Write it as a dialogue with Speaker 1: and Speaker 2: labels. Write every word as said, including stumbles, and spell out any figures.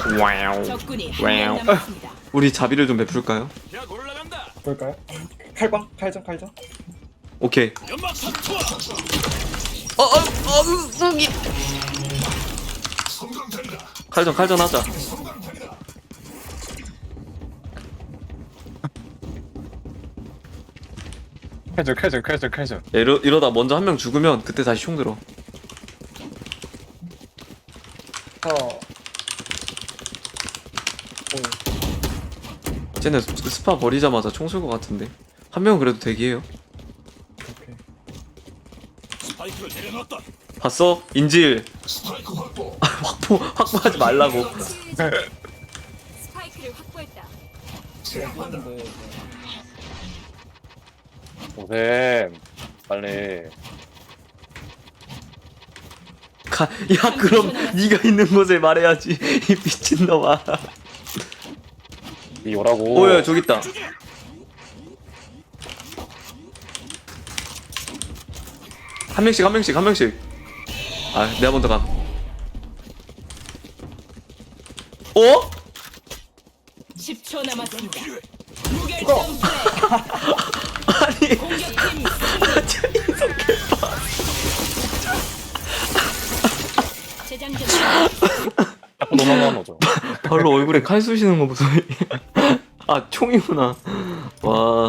Speaker 1: 와우.
Speaker 2: 적군이
Speaker 1: 와우.
Speaker 2: 한 명 남았습니다.
Speaker 1: 우리 자비를 좀 베풀까요?
Speaker 3: 볼까요? 칼방? 칼전 칼전?
Speaker 1: 오케이. 어, 어, 어, 음, 칼전 칼전 하자.
Speaker 4: 칼전 칼전 칼전 칼전.
Speaker 1: 야, 이러, 이러다 먼저 한 명 죽으면 그때 다시 총 들어.
Speaker 3: 어.
Speaker 1: 쟤네 스- 스파 버리자마자 총 쏠 것 같은데. 한 명은 그래도 대기해요.
Speaker 3: 오케이.
Speaker 1: 봤어? 인질. 확보 확보하지 말라고.
Speaker 2: 스파이크를 확보했다.
Speaker 3: 했는데
Speaker 4: 오셈 빨리.
Speaker 1: 가, 야 그럼 네가 있는 곳에 말해야지. 이 미친놈아.
Speaker 4: 이 오라고.
Speaker 1: 오야 저기 있다. 한 명씩 한 명씩 한 명씩. 아 내가 먼저 감. 어?
Speaker 2: 십 초 남았습니다. 무결점 플레이.
Speaker 1: 아니
Speaker 2: 공격팀
Speaker 1: 저 인성 개빠.
Speaker 2: 재장전.
Speaker 4: 자꾸 너만 오죠.
Speaker 1: 바로 얼굴에 칼 쑤시는 거 보소. 아 총이구나. 와.